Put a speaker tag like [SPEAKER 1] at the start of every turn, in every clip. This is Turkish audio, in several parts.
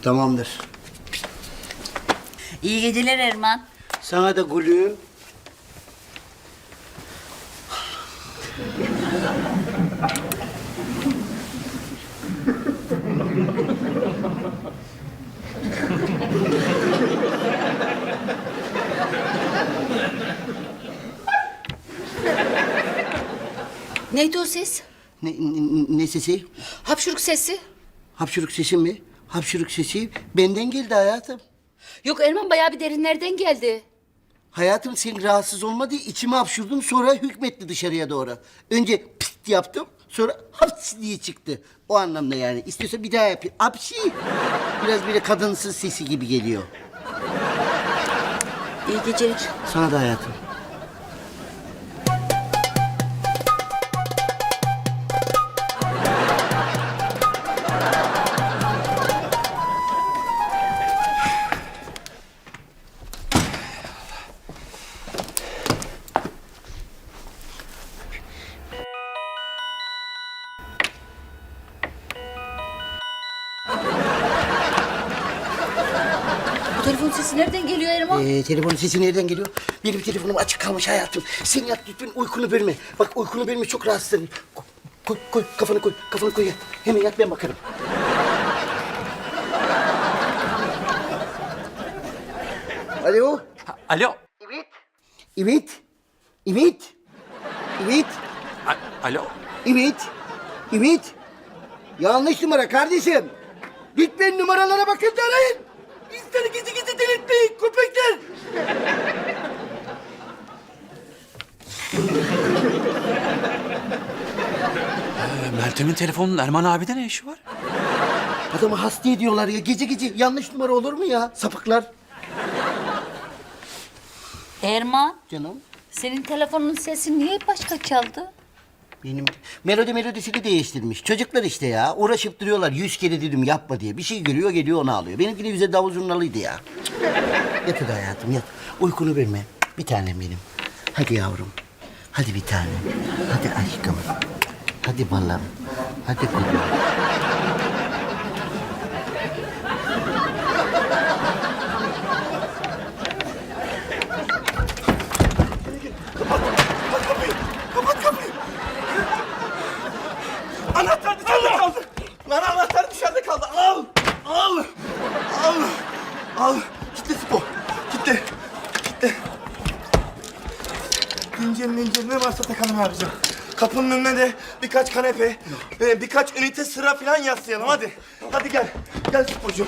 [SPEAKER 1] Tamamdır.
[SPEAKER 2] İyi geceler Erman.
[SPEAKER 1] Sana da gülüm.
[SPEAKER 2] Neydi o ses?
[SPEAKER 1] Ne sesi?
[SPEAKER 2] Hapşuruk sesi.
[SPEAKER 1] Hapşuruk sesi mi? Hapşuruk sesi benden geldi hayatım.
[SPEAKER 2] Yok Erman, bayağı bir derinlerden geldi.
[SPEAKER 1] Hayatım sen rahatsız olma diye içime hapşurdum, sonra hükmetti dışarıya doğru. Önce pist yaptım, sonra haps diye çıktı. O anlamda yani. İstiyorsa bir daha yapayım. Apşi. Biraz böyle kadınsız sesi gibi geliyor.
[SPEAKER 2] İyi geceler.
[SPEAKER 1] Sana da hayatım.
[SPEAKER 2] Bu telefon sesi nereden geliyor Erman?
[SPEAKER 1] Telefonun sesi nereden geliyor? Benim telefonum açık kalmış hayatım. Sen yat lütfen, uykunu bölme. Bak uykunu bölme, çok rahatsız ederim. Koy, kafanı koy yat. Hemen yat, ben bakarım. Alo?
[SPEAKER 3] Alo.
[SPEAKER 1] Evet. Evet. Evet. Evet.
[SPEAKER 3] Alo.
[SPEAKER 1] Evet. Evet. Yanlış numara kardeşim. Lütfen numaralara bakın da arayın. İnsanı gizli delirtmeyin köpekler.
[SPEAKER 3] Meltem'in telefonunun Erman abide ne işi var?
[SPEAKER 1] Adamı hasta ediyorlar ya. Gece yanlış numara olur mu ya? Sapıklar.
[SPEAKER 2] Erman,
[SPEAKER 1] Canım.
[SPEAKER 2] senin telefonun sesi niye başka çaldı?
[SPEAKER 1] Benim melodisini değiştirmiş. Çocuklar işte ya. Uğraşıp duruyorlar. 100 kere dedim yapma diye. Bir şey görüyor, geliyor onu alıyor. Benimki de bize davul zurnalıydı ya. Yat hadi hayatım, yat. Uykunu verme. Bir tanem benim. Hadi yavrum. Hadi bir tanem. Hadi aşkım. Hadi balım. Hadi kulum.
[SPEAKER 4] Anahtar dışarıda kaldı. Lan anahtar dışarıda kaldı. Al. Kitle Spo. Kitle. Zincir ne varsa takalım abicim. Kapının önüne de birkaç kanepe, birkaç ünite sıra falan yaslayalım hadi. Hadi gel. Gel Spocuğum.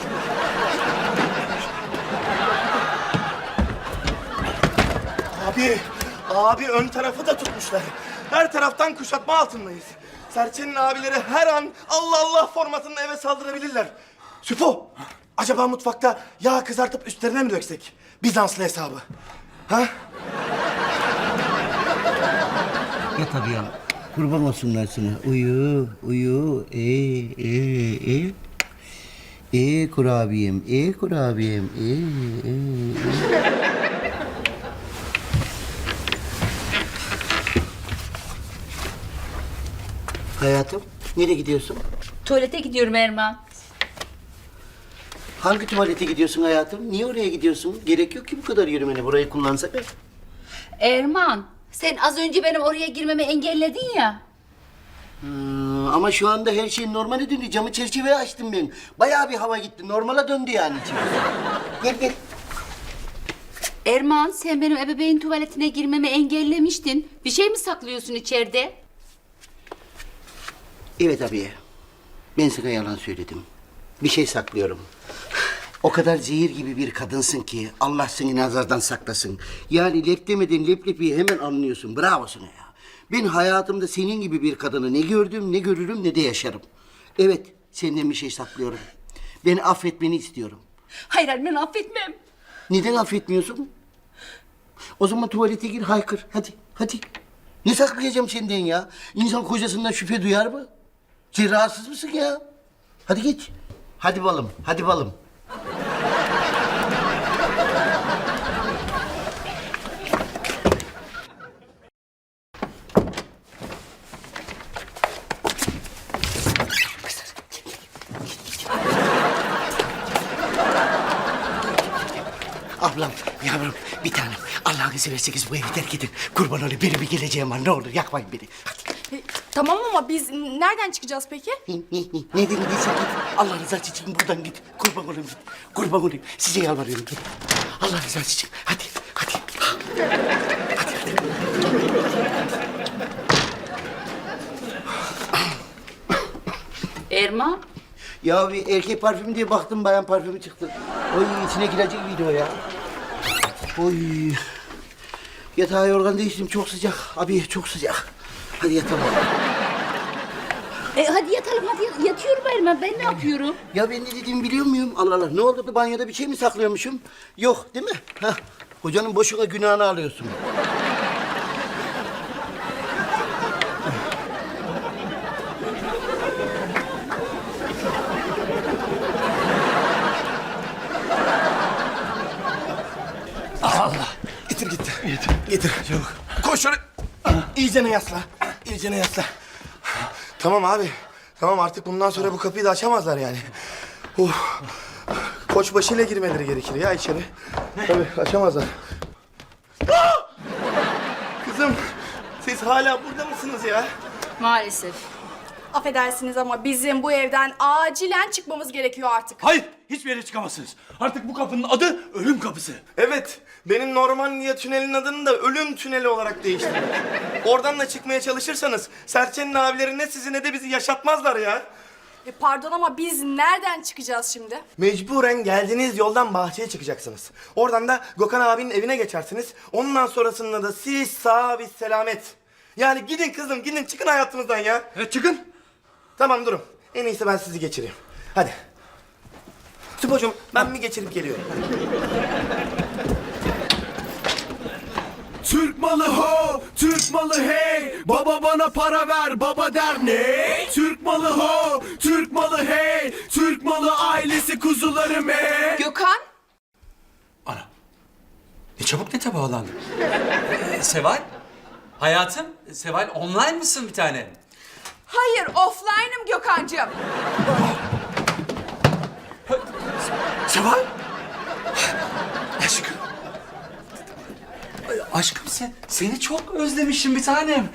[SPEAKER 4] Abi ön tarafı da tutmuşlar. Her taraftan kuşatma altındayız. Serçenin abileri her an Allah Allah formatında eve saldırabilirler. Süpo, acaba mutfakta yağ kızartıp üstlerine mi döksek? Bizanslı hesabı. Ha?
[SPEAKER 1] Yat hadi ya. Kurban olsunlar sana. Uyu. Kurabiyem. Kurabiyem. Hayatım, nereye gidiyorsun?
[SPEAKER 2] Tuvalete gidiyorum Erman.
[SPEAKER 1] Hangi tuvalete gidiyorsun hayatım? Niye oraya gidiyorsun? Gerek yok ki bu kadar yürümene. Burayı kullansak ya.
[SPEAKER 2] Erman, sen az önce benim oraya girmemi engelledin ya.
[SPEAKER 1] Ama şu anda her şey normale döndü. Camı çerçeveye açtım ben. Bayağı bir hava gitti. Normala döndü yani içim. Gel.
[SPEAKER 2] Erman, sen benim ebeveyn tuvaletine girmemi engellemiştin. Bir şey mi saklıyorsun içeride?
[SPEAKER 1] Evet abiye. Ben sana yalan söyledim. Bir şey saklıyorum. O kadar zehir gibi bir kadınsın ki Allah seni nazardan saklasın. Yani lep demeden leblebiyi hemen anlıyorsun. Bravo sana ya. Ben hayatımda senin gibi bir kadını ne gördüm, ne görürüm, ne de yaşarım. Evet, senden bir şey saklıyorum. Beni affetmeni istiyorum.
[SPEAKER 2] Hayır, ben affetmem.
[SPEAKER 1] Neden affetmiyorsun? O zaman tuvalete gir, haykır. Hadi. Ne saklayacağım senden ya? İnsan kocasından şüphe duyar mı? Sen rahatsız mısın ya? Hadi geç. Hadi balım. Ablam, yavrum, bir tanem. Allah'ını severseniz bu evi terk edin. Kurban olayım, benim bir geleceğim var. Ne olur yakmayın beni. Hadi.
[SPEAKER 5] Tamam ama biz nereden çıkacağız peki?
[SPEAKER 1] Ne dedin git. Allah rızası için buradan git. Kurban olayım git. Kurban olayım. Size yalvarıyorum git. Allah rızası için. Hadi.
[SPEAKER 2] Erman,
[SPEAKER 1] Ya bir erkek parfümü diye baktım, bayan parfümü çıktı. Oy, içine girecek video ya. Oy. Yatağa yorgan değiştim, çok sıcak. Abi çok sıcak. Hadi yatalım.
[SPEAKER 2] hadi yatalım hadi. Yatıyorum Erman, ben ne yapıyorum?
[SPEAKER 1] Ya ben ne dediğimi biliyor muyum? Allah Allah, ne oldu? Banyoda bir şey mi saklıyormuşum? Yok değil mi? Hah. Hocanın boşuna günahını alıyorsun.
[SPEAKER 4] Getir gitti. Getir. Çabuk. Koş şöyle. İyicene yasla. İyicene yasla. Tamam abi. Tamam, artık bundan sonra bu kapıyı da açamazlar yani. Koçbaşıyla girmeleri gerekir ya içeri. Tabii açamazlar. Aa! Kızım, siz hala burada mısınız ya?
[SPEAKER 2] Maalesef.
[SPEAKER 5] Affedersiniz ama bizim bu evden acilen çıkmamız gerekiyor artık.
[SPEAKER 3] Hayır, hiçbir yere çıkamazsınız. Artık bu kapının adı ölüm kapısı.
[SPEAKER 4] Evet, benim Normandiya tünelinin adını da ölüm tüneli olarak değiştirdim. Oradan da çıkmaya çalışırsanız Serçe'nin abileri ne sizi ne de bizi yaşatmazlar ya.
[SPEAKER 5] Pardon ama biz nereden çıkacağız şimdi?
[SPEAKER 4] Mecburen geldiğiniz yoldan bahçeye çıkacaksınız. Oradan da Gökhan abinin evine geçersiniz. Ondan sonrasında da siz sağ biz selamet. Yani gidin kızım, gidin, çıkın hayatımızdan ya.
[SPEAKER 3] Çıkın.
[SPEAKER 4] Tamam, durun. En iyisi ben sizi geçireyim. Hadi. Süpocuğum, ben bir geçirip geliyorum.
[SPEAKER 6] Türk malı ho, Türk malı hey. Baba bana para ver, baba der ne? Türk malı ho, Türk malı hey. Türk malı ailesi kuzularım hey.
[SPEAKER 5] Gökhan?
[SPEAKER 3] Ne çabuk nete bağlandın. Seval? Hayatım, Seval online mısın bir tane?
[SPEAKER 5] Hayır, offline'ım Gökhan'cığım.
[SPEAKER 3] Seval? Aşkım. Aşkım seni çok özlemişim bir tanem.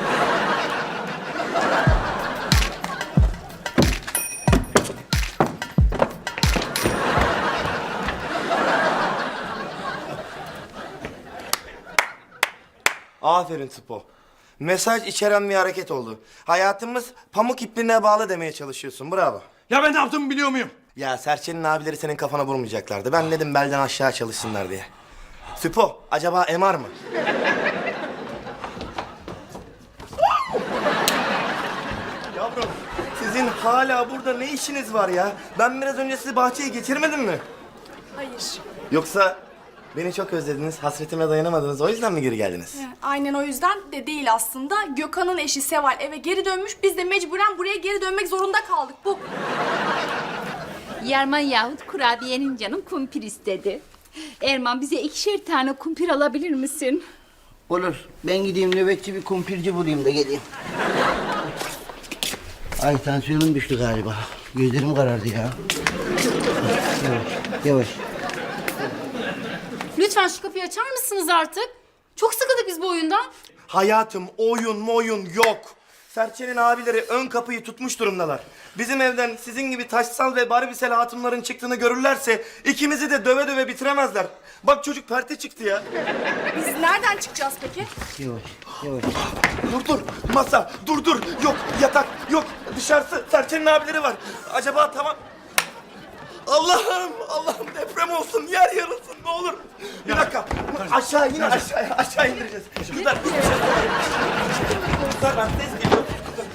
[SPEAKER 4] Aferin Spo. Mesaj içeren bir hareket oldu. Hayatımız pamuk ipliğine bağlı demeye çalışıyorsun. Bravo.
[SPEAKER 6] Ya ben ne yaptığımı biliyor muyum?
[SPEAKER 4] Ya Serçe'nin abileri senin kafana vurmayacaklardı. Ben dedim belden aşağı çalışsınlar diye. Süpo, acaba MR mı? Yavrum, sizin hala burada ne işiniz var ya? Ben biraz önce sizi bahçeye geçirmedim mi?
[SPEAKER 5] Hayır.
[SPEAKER 4] Yoksa beni çok özlediniz, hasretime dayanamadınız. O yüzden mi geri geldiniz?
[SPEAKER 5] Aynen o yüzden de değil aslında. Gökhan'ın eşi Seval eve geri dönmüş. Biz de mecburen buraya geri dönmek zorunda kaldık. Bu.
[SPEAKER 2] Yarman yahut kurabiyenin canım kumpir istedi. Erman, bize 2'şer tane kumpir alabilir misin?
[SPEAKER 1] Olur. Ben gideyim nöbetçi bir kumpirci bulayım da geleyim. Ay, tansiyonum düştü galiba. Gözlerim karardı ya. Yavaş.
[SPEAKER 2] Lütfen şu kapıyı açar mısınız artık? Çok sıkıldık biz bu oyundan.
[SPEAKER 4] Hayatım, oyun yok. Serçe'nin abileri ön kapıyı tutmuş durumdalar. Bizim evden sizin gibi taşsal ve barbisel hatunların çıktığını görürlerse ikimizi de döve döve bitiremezler. Bak çocuk perte çıktı ya.
[SPEAKER 5] Biz nereden çıkacağız peki?
[SPEAKER 1] Yavaş.
[SPEAKER 4] Dur, masa, dur. Yok, yatak, yok. Dışarısı, Serçe'nin abileri var. Acaba tamam... Allah'ım deprem olsun, yer yarılsın ne olur. Bir dakika, aşağı indireceğiz. Kızlar, Kızlar, ben ses geliyor.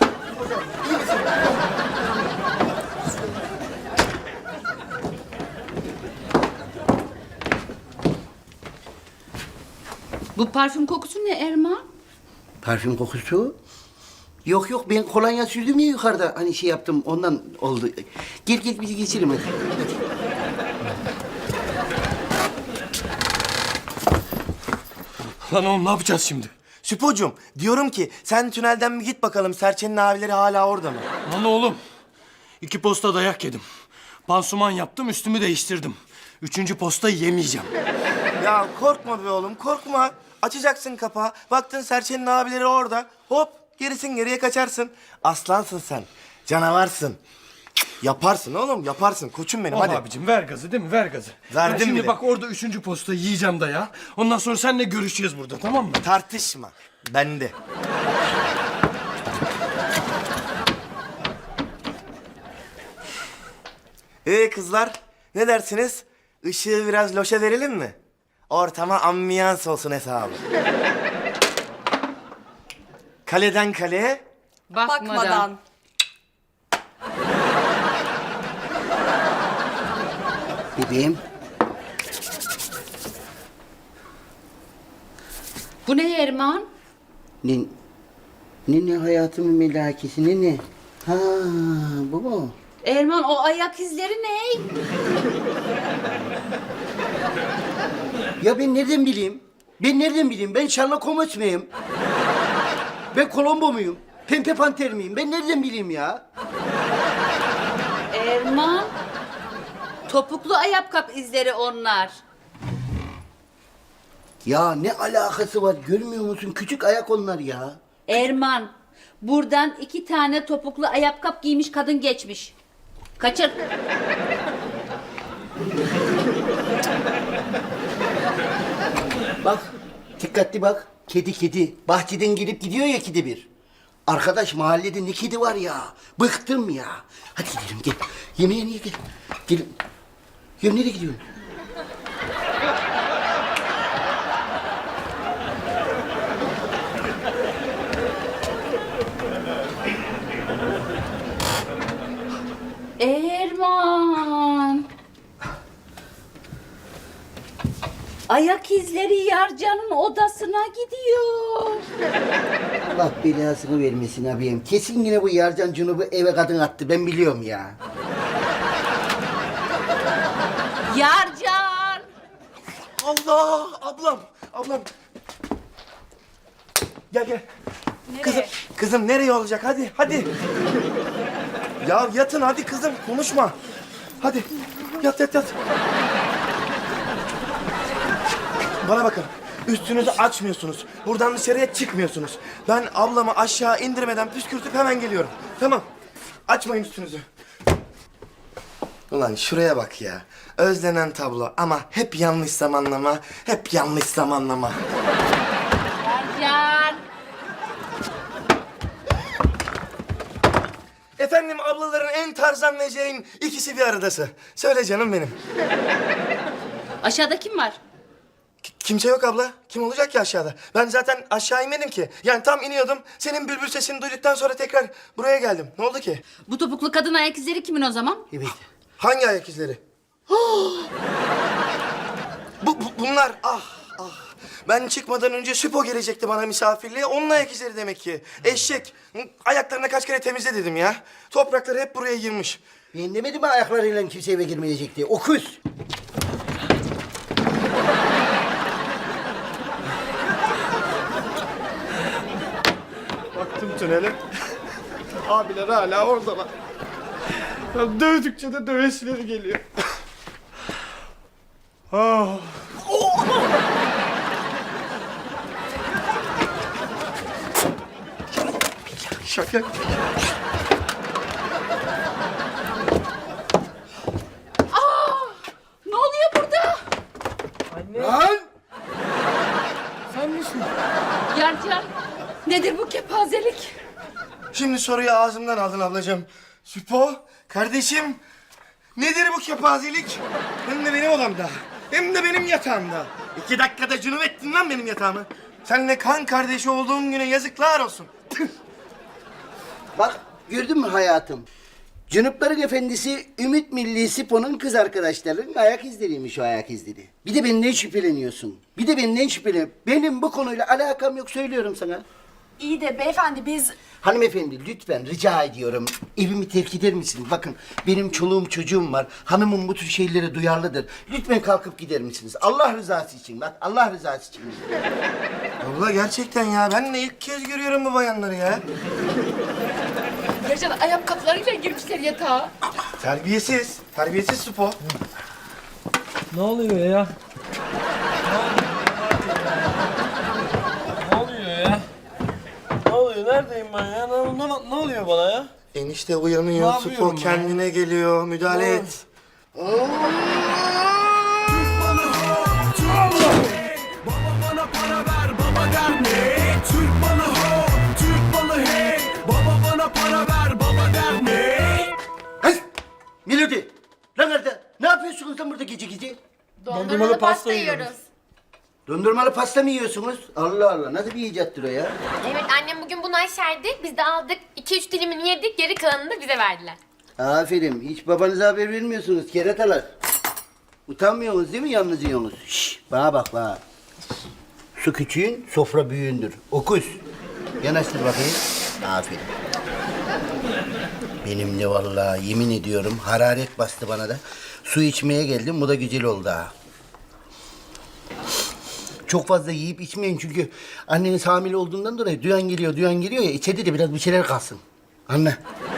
[SPEAKER 2] Bu parfüm kokusu ne Erman?
[SPEAKER 1] Parfüm kokusu? Yok, ben kolonya sürdüm ya yukarıda. Hani şey yaptım, ondan oldu. Gel bizi geçirelim hadi.
[SPEAKER 6] Lan oğlum ne yapacağız şimdi?
[SPEAKER 4] Süpocuğum, diyorum ki sen tünelden bir git bakalım, Serçe'nin abileri hala orada mı?
[SPEAKER 6] Lan oğlum. 2 posta dayak yedim. Pansuman yaptım, üstümü değiştirdim. 3. posta yemeyeceğim.
[SPEAKER 4] Ya korkma be oğlum, korkma. Açacaksın kapağı. Baktın Serçe'nin abileri orada. Hop, gerisin geriye kaçarsın. Aslansın sen. Canavarsın. Yaparsın oğlum, yaparsın. Koçum benim, hadi.
[SPEAKER 6] Abicim ver gazı değil mi? Ver gazı.
[SPEAKER 4] Verdim
[SPEAKER 6] Ben şimdi
[SPEAKER 4] bile.
[SPEAKER 6] bak orada 3. postayı yiyeceğim da ya. Ondan sonra seninle görüşeceğiz burada, tamam mı?
[SPEAKER 4] Tartışma. Bende. Kızlar, ne dersiniz? Işığı biraz loşa verelim mi? Ortama ambiyans olsun hesabı. Kaleden kaleye.
[SPEAKER 5] Bakmadan.
[SPEAKER 1] Bebeğim.
[SPEAKER 2] Bu ne Erman?
[SPEAKER 1] Ne hayatımın melakesi ne? Ha bu mu?
[SPEAKER 2] Erman o ayak izleri ne?
[SPEAKER 1] Ya ben nereden bileyim? Ben Sherlock Holmes muyum? Ben Columbo muyum? Pempe Panter miyim? Ben nereden bileyim ya?
[SPEAKER 2] Erman. Topuklu ayakkabı izleri onlar.
[SPEAKER 1] Ya ne alakası var? Görmüyor musun? Küçük ayak onlar ya.
[SPEAKER 2] Erman. Buradan 2 tane topuklu ayakkabı giymiş kadın geçmiş. Kaçır.
[SPEAKER 1] Bak, dikkatli bak. Kedi. Bahçeden gelip gidiyor ya kedi bir. Arkadaş mahallede ne kedi var ya. Bıktım ya. Hadi gidelim gel. Yemeğe niye gel? Gelin. Ya nereye gidiyorsun?
[SPEAKER 2] Erman. Ayak izleri Yarcan'ın odasına gidiyor.
[SPEAKER 1] Allah belasını vermesin abim. Kesin yine bu Yarcan Cunub'u eve kadın attı. Ben biliyorum ya.
[SPEAKER 2] Yarcan.
[SPEAKER 4] Allah! Ablam. Gel.
[SPEAKER 5] Nereye?
[SPEAKER 4] Kızım nereye olacak? Hadi. Ya yatın hadi kızım, konuşma. Hadi, yat. Bana bakın, üstünüzü açmıyorsunuz. Buradan dışarıya çıkmıyorsunuz. Ben ablamı aşağı indirmeden püskürtüp hemen geliyorum. Tamam, açmayın üstünüzü. Ulan şuraya bak ya. Özlenen tablo ama hep yanlış zamanlama.
[SPEAKER 2] Yarcan.
[SPEAKER 4] Efendim ablaların en tarzanlayacağın ikisi bir aradası. Söyle canım benim.
[SPEAKER 2] Aşağıda kim var?
[SPEAKER 4] Kimse yok abla. Kim olacak ki aşağıda? Ben zaten aşağı inmedim ki. Yani tam iniyordum. Senin bülbül sesini duyduktan sonra tekrar buraya geldim. Ne oldu ki?
[SPEAKER 2] Bu topuklu kadın ayak izleri kimin o zaman?
[SPEAKER 1] Evet.
[SPEAKER 4] Hangi ayak izleri? Bunlar ah. Ben çıkmadan önce Süpo gelecekti bana misafirliğe. Onun ayak izleri demek ki. Eşek. Ayaklarına kaç kere temizle dedim ya. Toprakları hep buraya girmiş.
[SPEAKER 1] Ben demedim mi ayaklarıyla kimse eve girmeyecek diye. Okuz.
[SPEAKER 6] Baktım tünele. Abiler hala oradalar. Ya dövdükçe de dövesileri geliyor. Ah.
[SPEAKER 4] Şaka.
[SPEAKER 2] Ne oluyor burada?
[SPEAKER 1] Lan!
[SPEAKER 6] Sen misin?
[SPEAKER 2] Yarcan. Nedir bu kepazelik?
[SPEAKER 4] Şimdi soruyu ağzımdan aldın ablacığım. Süpo, kardeşim, nedir bu kepazelik? Hem de benim odamda, hem de benim yatağımda. 2 dakikada cünüp ettin lan benim yatağımı. Seninle kan kardeşi olduğum güne yazıklar olsun.
[SPEAKER 1] Bak gördün mü hayatım? Cunupların efendisi Ümit Milli Sipo'nun kız arkadaşlarının ayak izleriymiş o ayak izleri. Bir de benden şüpheleniyorsun. Benim bu konuyla alakam yok söylüyorum sana.
[SPEAKER 5] İyi de beyefendi biz...
[SPEAKER 1] Hanımefendi lütfen rica ediyorum. Evimi terk eder misiniz? Bakın benim çoluğum çocuğum var. Hanımım bu tür şeylere duyarlıdır. Lütfen kalkıp gider misiniz? Allah rızası için bak Allah rızası için.
[SPEAKER 4] Abla gerçekten ya, ben de ilk kez görüyorum bu bayanları ya.
[SPEAKER 2] Yarcan ayakkabılarıyla girmişler yatağa.
[SPEAKER 4] Terbiyesiz Süpo.
[SPEAKER 7] Ne oluyor ya? neredeyim ben ya? Ne oluyor bana ya?
[SPEAKER 4] Enişte
[SPEAKER 7] Ne
[SPEAKER 4] uyanıyor,
[SPEAKER 7] yapıyorum
[SPEAKER 4] Supo
[SPEAKER 7] ben?
[SPEAKER 4] kendine geliyor. Müdahale
[SPEAKER 7] Ne?
[SPEAKER 4] et.
[SPEAKER 6] Baba bana para ver, baba der ne? Türk malı ho, Türk malı hey. Baba bana para ver, baba der ne?
[SPEAKER 1] Hey! Melodi! Lan nerede? Ne yapıyorsunuz lan burada gece gece?
[SPEAKER 5] Dondurmalı pasta yiyoruz.
[SPEAKER 1] Dondurmalı pasta mı yiyorsunuz? Allah Allah, nasıl bir icattır o ya?
[SPEAKER 8] Evet annem bugün bunu aşerdi. Biz de aldık. 2-3 dilimini yedik. Geri kalanını da bize verdiler.
[SPEAKER 1] Aferin, hiç babanıza haber vermiyorsunuz keratalar. Utanmıyorsunuz değil mi yalnız yiyorsunuz? Şşş, bana bak bana. Su küçüğün, sofra büyüğündür. Okuz. Yanaştır bakayım. Aferin. Benim de vallahi yemin ediyorum hararet bastı bana da. Su içmeye geldim, bu da güzel oldu ha. Çok fazla yiyip içmeyin çünkü anneniz hamile olduğundan dolayı duyan geliyor ya içeride de biraz bir şeyler kalsın. Anne.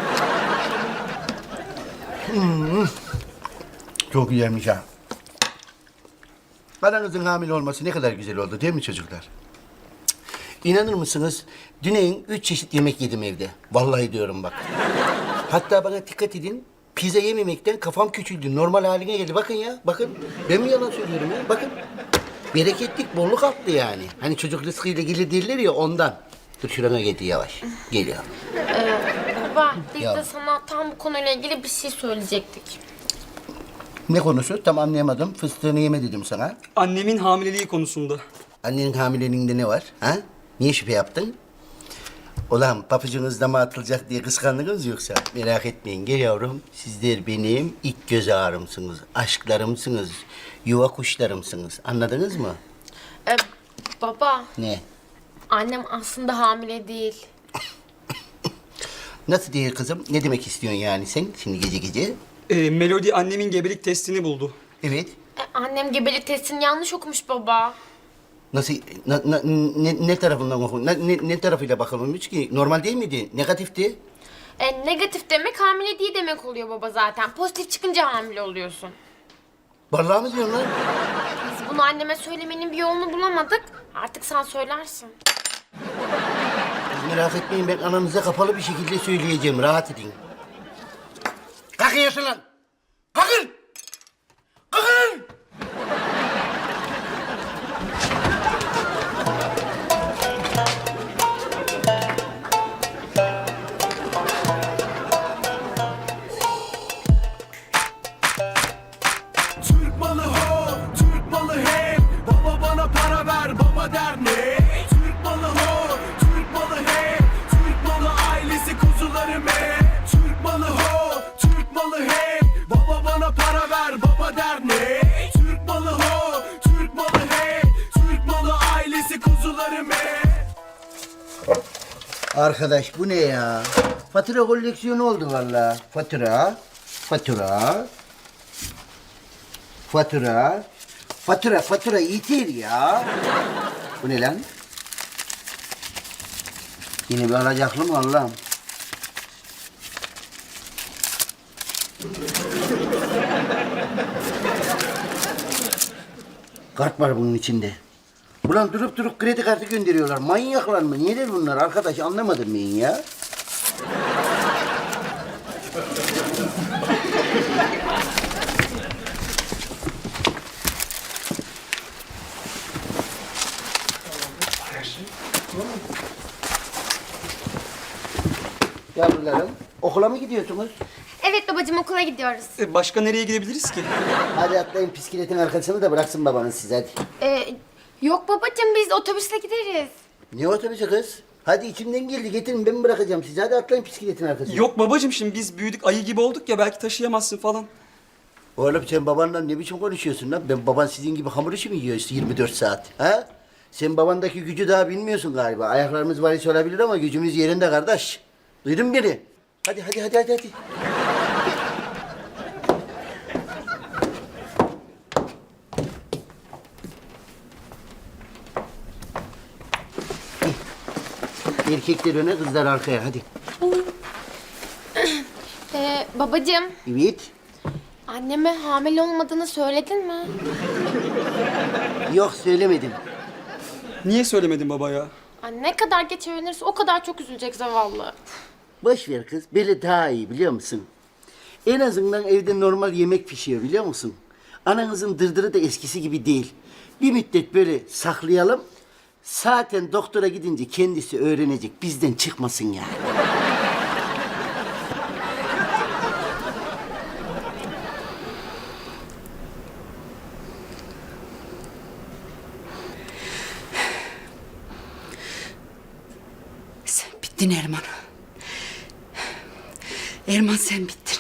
[SPEAKER 1] Çok güzelmiş ha. Aranızın hamile olması ne kadar güzel oldu değil mi çocuklar? İnanır mısınız? Düneyin 3 çeşit yemek yedim evde. Vallahi diyorum bak. Hatta bana dikkat edin. Pizza yememekten kafam küçüldü. Normal haline geldi. Bakın ya. Bakın. Ben mi yalan söylüyorum ya? Bakın. Bereketlik, bolluk arttı yani. Hani çocuk rızkıyla gelir derler ya ondan. Dur şurana geldi yavaş. Geliyor.
[SPEAKER 8] Baba biz
[SPEAKER 1] Ya.
[SPEAKER 8] de sana tam bu konuyla ilgili bir şey söyleyecektik.
[SPEAKER 1] Ne konusu? Tam anlayamadım. Fıstığını yeme dedim sana.
[SPEAKER 7] Annemin hamileliği konusunda.
[SPEAKER 1] Annenin hamileliğinde ne var? Ha? Niye şüphe yaptın? Ulan papucunuz dama atılacak diye kıskandınız yoksa? Merak etmeyin gel yavrum. Sizler benim ilk göz ağrımsınız, aşklarımsınız, yuva kuşlarımsınız. Anladınız mı?
[SPEAKER 8] Baba
[SPEAKER 1] Ne?
[SPEAKER 8] annem aslında hamile değil.
[SPEAKER 1] Nasıl değil kızım? Ne demek istiyorsun yani sen şimdi gece gece?
[SPEAKER 7] Melody annemin gebelik testini buldu.
[SPEAKER 1] Evet.
[SPEAKER 8] Annem gebelik testini yanlış okumuş baba.
[SPEAKER 1] Nasıl? Ne tarafından okun? Ne tarafıyla bakılmış ki? Normal değil miydi? Negatifti.
[SPEAKER 8] Negatif demek hamile değil demek oluyor baba zaten. Pozitif çıkınca hamile oluyorsun.
[SPEAKER 1] Vallahi mi diyorsun lan?
[SPEAKER 8] Biz bunu anneme söylemenin bir yolunu bulamadık. Artık sen söylersin.
[SPEAKER 1] Merak etmeyin ben ananıza kapalı bir şekilde söyleyeceğim. Rahat edin. Kalkın yaşın lan! Kalkın! Kalkın!
[SPEAKER 6] Türk malı ho, Türk malı hey. Baba bana para ver, baba der ne? Türk malı ho, Türk malı hey. Türk malı ailesi kuzularım hey. Türk malı ho, Türk malı hey. Baba bana para ver, baba der ne? Türk malı ho, Türk malı hey. Türk malı ailesi kuzularım hey.
[SPEAKER 1] Arkadaş bu ne ya? Fatura koleksiyonu oldu vallahi. Fatura, fatura, fatura, fatura yeter ya. Bu ne lan? Yine bir alacaklı mı Allah'ım? Kart var bunun içinde. Ulan durup durup kredi kartı gönderiyorlar. Manyaklar mı? Neler bunlar arkadaş? Anlamadım ben ya. Yavrularım, okula mı gidiyorsunuz?
[SPEAKER 8] Evet babacığım okula gidiyoruz.
[SPEAKER 7] Başka nereye gidebiliriz ki?
[SPEAKER 1] Hadi atlayın bisikletin arkasını da bıraksın babanız size hadi.
[SPEAKER 8] Yok babacığım biz otobüsle gideriz.
[SPEAKER 1] Ne otobüsü kız? Hadi içimden geldi getirin ben bırakacağım sizi. Hadi atlayın bisikletin arkasına.
[SPEAKER 7] Yok babacığım şimdi biz büyüdük ayı gibi olduk ya belki taşıyamazsın falan.
[SPEAKER 1] Oğlum sen babanla ne biçim konuşuyorsun lan? Ben baban sizin gibi hamur işi mi yiyor işte 24 saat? Ha? Sen babandaki gücü daha bilmiyorsun galiba. Ayaklarımız var hiç olabilir ama gücümüz yerinde kardeş. Duydun mu beni? Hadi. Erkekler öne, kızlar arkaya. Hadi.
[SPEAKER 8] Babacığım
[SPEAKER 1] Evet.
[SPEAKER 8] anneme hamile olmadığını söyledin mi?
[SPEAKER 1] Yok söylemedim.
[SPEAKER 7] Niye söylemedin baba ya?
[SPEAKER 8] Anne ne kadar geç öğrenirse o kadar çok üzülecek zavallı.
[SPEAKER 1] Boş ver kız. Böyle daha iyi biliyor musun? En azından evde normal yemek pişiyor biliyor musun? Ananızın dırdırı da eskisi gibi değil. Bir müddet böyle saklayalım. Zaten doktora gidince kendisi öğrenecek. Bizden çıkmasın yani.
[SPEAKER 2] Sen bittin Erman. Erman sen bittin.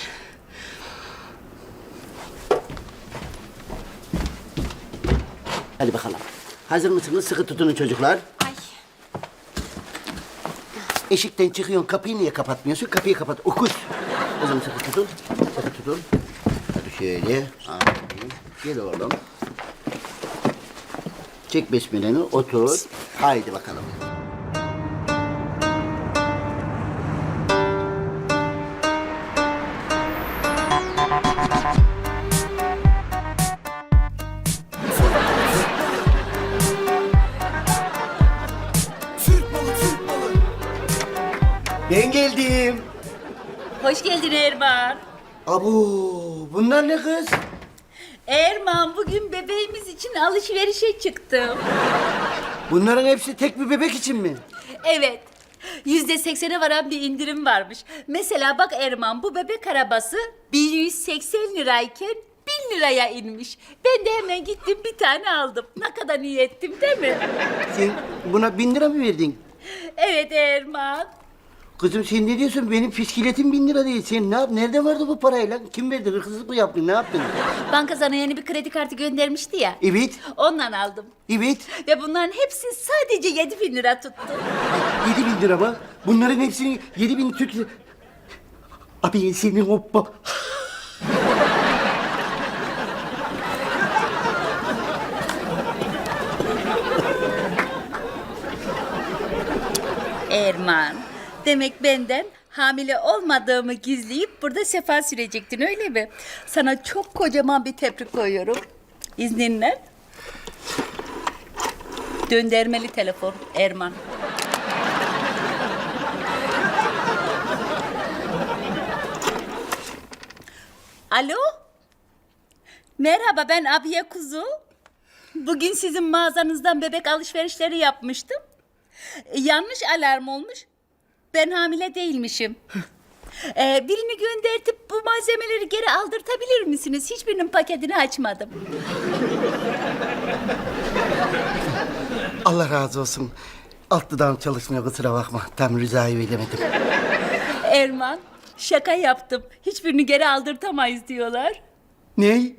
[SPEAKER 1] Hadi bakalım. Hazır mısınız? Sıkı tutunun çocuklar.
[SPEAKER 8] Ay.
[SPEAKER 1] Eşikten çıkıyorsun. Kapıyı niye kapatmıyorsun? Kapıyı kapat. Okuz. O zaman sıkı tutun. Sıkı tutun. Hadi şöyle. Aferin. Gel oğlum. Çek besmeleni. Otur. Haydi bakalım.
[SPEAKER 6] Türk malı, Türk malı.
[SPEAKER 1] Ben geldim.
[SPEAKER 2] Hoş geldin Erman.
[SPEAKER 1] Abu, bunlar ne kız?
[SPEAKER 2] Erman bugün bebeğimiz için alışverişe çıktım.
[SPEAKER 1] Bunların hepsi tek bir bebek için mi?
[SPEAKER 2] Evet. %80'e varan bir indirim varmış. Mesela bak Erman bu bebek arabası 1180 lirayken 1000 liraya inmiş. Ben de hemen gittim bir tane aldım. Ne kadar iyi ettim değil mi?
[SPEAKER 1] Sen buna 1000 lira mı verdin?
[SPEAKER 2] Evet Erman.
[SPEAKER 1] Kızım sen ne diyorsun? Benim fiskiletim 1000 lira değil. Sen ne yap? Nerede vardı bu parayla? Kim verdi? Hırsızlık mı yaptın? Ne yaptın?
[SPEAKER 2] Banka sana yeni bir kredi kartı göndermişti ya.
[SPEAKER 1] Evet.
[SPEAKER 2] Ondan aldım.
[SPEAKER 1] Evet.
[SPEAKER 2] Ve bunların hepsi sadece 7000 lira tuttu.
[SPEAKER 1] 7000 lira mı? Bunların hepsini 7000 Türk lira... Abi senin hoppa.
[SPEAKER 2] Erman, demek benden hamile olmadığımı gizleyip burada sefa sürecektin öyle mi? Sana çok kocaman bir tebrik koyuyorum. İzninle. Döndürmeli telefon Erman. Alo? Merhaba ben Abiye Kuzu. Bugün sizin mağazanızdan bebek alışverişleri yapmıştım. Yanlış alarm olmuş. Ben hamile değilmişim. Birini göndertip bu malzemeleri geri aldırtabilir misiniz? Hiçbirinin paketini açmadım.
[SPEAKER 1] Allah razı olsun. Alt dudağım çalışmıyor kusura bakma. Tam rızayı veremedim.
[SPEAKER 2] Erman, şaka yaptım. Hiçbirini geri aldırtamayız diyorlar.
[SPEAKER 1] Ne?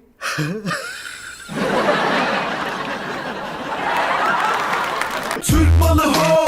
[SPEAKER 6] Türk malı ho,